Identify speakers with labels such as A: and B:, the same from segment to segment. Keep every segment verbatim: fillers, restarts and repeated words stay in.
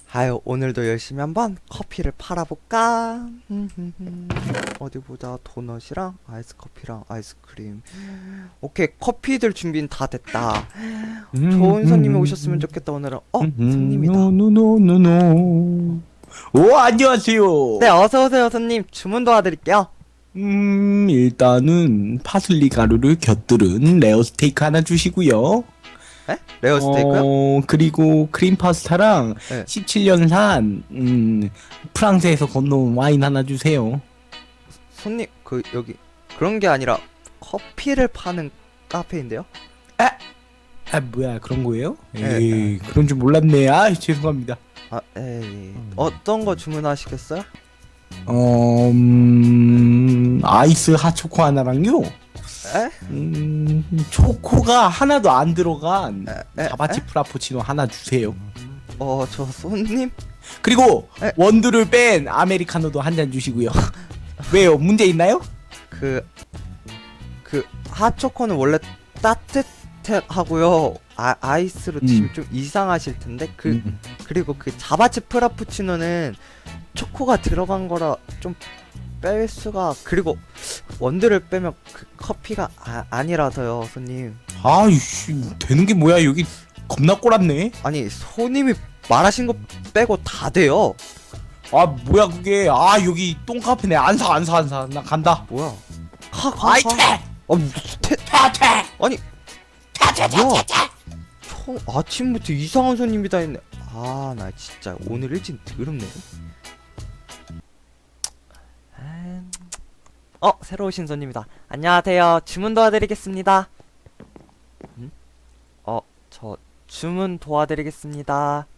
A: 아유, 오늘도 열심히 한번 커피를 팔아볼까? 어디 보자. 도넛이랑 아이스커피랑 아이스크림. 오케이, 커피들 준비는 다 됐다. 좋은 손님이 오셨으면 좋겠다. 오늘은 어? 손님이다.
B: 노노노노노. 오, 안녕하세요.
A: 네, 어서오세요 손님. 주문 도와드릴게요.
B: 음, 일단은 파슬리 가루를 곁들은 레어 스테이크 하나 주시고요.
A: 에? 레어 스테이크요?
B: 어, 그리고 크림 파스타랑
A: 네.
B: 십칠 년산 음, 프랑스에서 건너온 와인 하나 주세요.
A: 손님, 그 여기 그런 게 아니라 커피를 파는 카페인데요?
B: 아, 뭐야, 그런 거예요?
A: 네.
B: 에이, 그런 줄 몰랐네. 아, 죄송합니다.
A: 아, 에이. 어떤 거 주문하시겠어요?
B: 어, 음, 아이스 핫초코 하나랑요.
A: 에?
B: 음, 초코가 하나도 안 들어간
A: 에? 에?
B: 자바치 프라푸치노 하나 주세요.
A: 어, 저 손님?
B: 그리고
A: 에?
B: 원두를 뺀 아메리카노도 한 잔 주시고요. 왜요? 문제 있나요?
A: 그, 그, 핫초코는 원래 따뜻하고요. 아, 아이스로 드시면
B: 음.
A: 좀 이상하실 텐데, 그,
B: 음.
A: 그리고 그 자바치 프라푸치노는 초코가 들어간 거라 좀 뺄 수가, 그리고 원두를 빼면 그 커피가 아, 아니라서요, 손님.
B: 아이씨, 되는 게 뭐야? 여기 겁나 꼬랍네.
A: 아니, 손님이 말하신 거 빼고 다 돼요.
B: 아, 뭐야 그게? 아, 여기 똥카페네. 안 사, 안 사, 안 사. 나 간다.
A: 뭐야? 가, 가,
B: 아이,
A: 가.
B: 퇴!
A: 아, 무슨 태,
B: 퇴, 퇴!
A: 아니,
B: 퇴, 퇴, 퇴,
A: 뭐야?
B: 퇴, 퇴!
A: 총 아침부터 이상한 손님이 다 있네. 아, 나 진짜 오늘 일진 더럽네. 아, 어, 새로 오신 손님이다. 안녕하세요. 주문 도와드리겠습니다. 음? 어, 저 주문 도와드리겠습니다.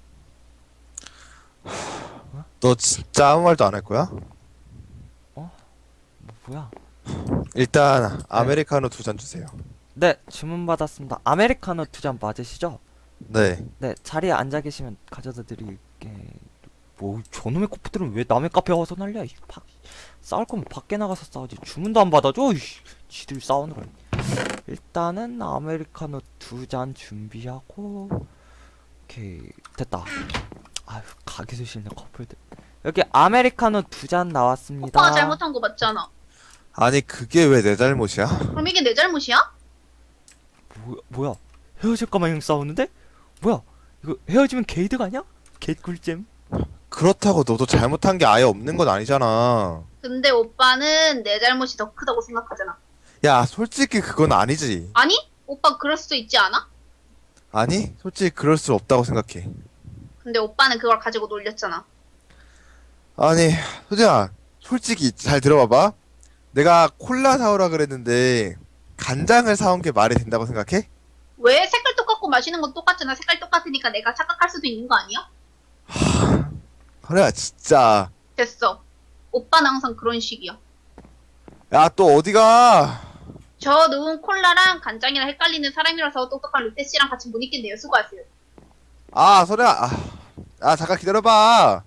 C: 너 진짜 아무 말도 안 할 거야?
A: 뭐, 뭐야?
C: 일단 아메리카노 두 잔 주세요.
A: 네, 주문 받았습니다. 아메리카노 두 잔 맞으시죠?
C: 네.
A: 네, 자리에 앉아 계시면 가져다 드릴게. 뭐 저놈의 커플들은 왜 남의 카페 와서 난리야? 이 팍. 싸울 거면 밖에 나가서 싸우지. 주문도 안 받아줘. 이씨. 지들 싸우느라. 일단은 아메리카노 두 잔 준비하고. 오케이, 됐다. 아유, 가게도 싫네 커플들. 여기 아메리카노 두 잔 나왔습니다.
D: 오빠가 잘못한 거 맞잖아.
C: 아니 그게 왜 내 잘못이야?
D: 그럼 이게 내 잘못이야?
A: 뭐야, 뭐야? 헤어질까 마냥 싸우는데? 뭐야? 이거 헤어지면 게이드가 아니야? 개꿀잼.
C: 그렇다고 너도 잘못한 게 아예 없는 건 아니잖아.
D: 근데 오빠는 내 잘못이 더 크다고 생각하잖아.
C: 야, 솔직히 그건 아니지.
D: 아니? 오빠 그럴 수도 있지 않아?
C: 아니, 솔직히 그럴 수 없다고 생각해.
D: 근데 오빠는 그걸 가지고 놀렸잖아.
C: 아니, 소진아, 솔직히 잘 들어봐봐. 내가 콜라 사오라 그랬는데 간장을 사온 게 말이 된다고 생각해?
D: 왜 색깔 똑같고 마시는 건 똑같잖아. 색깔 똑같으니까 내가 착각할 수도 있는 거 아니야?
C: 그래, 진짜.
D: 됐어. 오빠는 항상 그런 식이야.
C: 야, 또 어디가?
D: 저 누운 콜라랑 간장이랑 헷갈리는 사람이라서 똑똑한 루테 씨랑 같이 못 있겠네요. 수고하세요.
C: 아, 소리야. 아, 아 잠깐 기다려봐.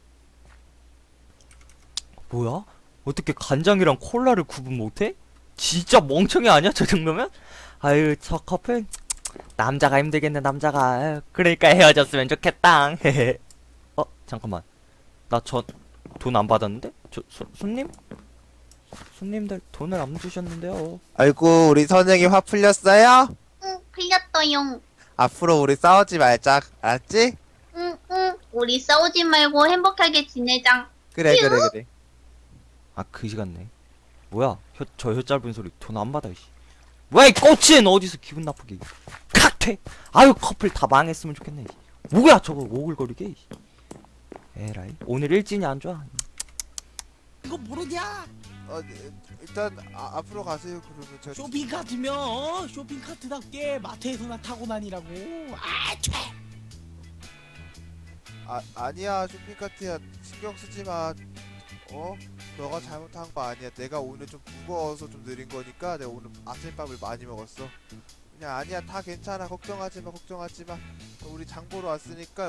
A: 뭐야? 어떻게 간장이랑 콜라를 구분 못해? 진짜 멍청이 아니야 저 정도면? 아유, 저 커플 남자가 힘들겠네. 남자가. 아유, 그러니까 헤어졌으면 좋겠다. 어, 잠깐만. 나 저 돈 안 받았는데? 저 손, 손님? 손님들 돈을 안 주셨는데요.
C: 아이고, 우리 선생님 화 풀렸어요?
D: 응, 풀렸어용.
C: 앞으로 우리 싸우지 말자. 알았지?
D: 응, 응. 우리 싸우지 말고 행복하게 지내자.
C: 그래, 그래, 그래.
A: 아, 그지 같네. 뭐야? 혀, 저 혀 짧은 소리 돈 안 받아. 이씨. 뭐야, 이 꼬치는 어디서 기분 나쁘게. 칵퇴. 아유, 커플 다 망했으면 좋겠네. 이씨. 뭐야 저거 오글거리게. 이씨. 에라이. 오늘 일진이 안 좋아.
B: 이거 모르냐?
C: 어, 일단 아, 앞으로 가세요. 그러면 제가
B: 쇼핑 카트면 어? 쇼핑 카트답게 마트에서나 타고 다니라고. 아, 퇴!
C: 아, 아니야. 쇼핑카트야. 신경 쓰지 마. 어? 너가 잘못한 거 아니야. 내가 오늘 좀 무거워서 좀 느린 거니까 내가 오늘 아침밥을 많이 먹었어. 그냥 아니야. 다 괜찮아. 걱정하지 마. 걱정하지 마. 우리 장 보러 왔으니까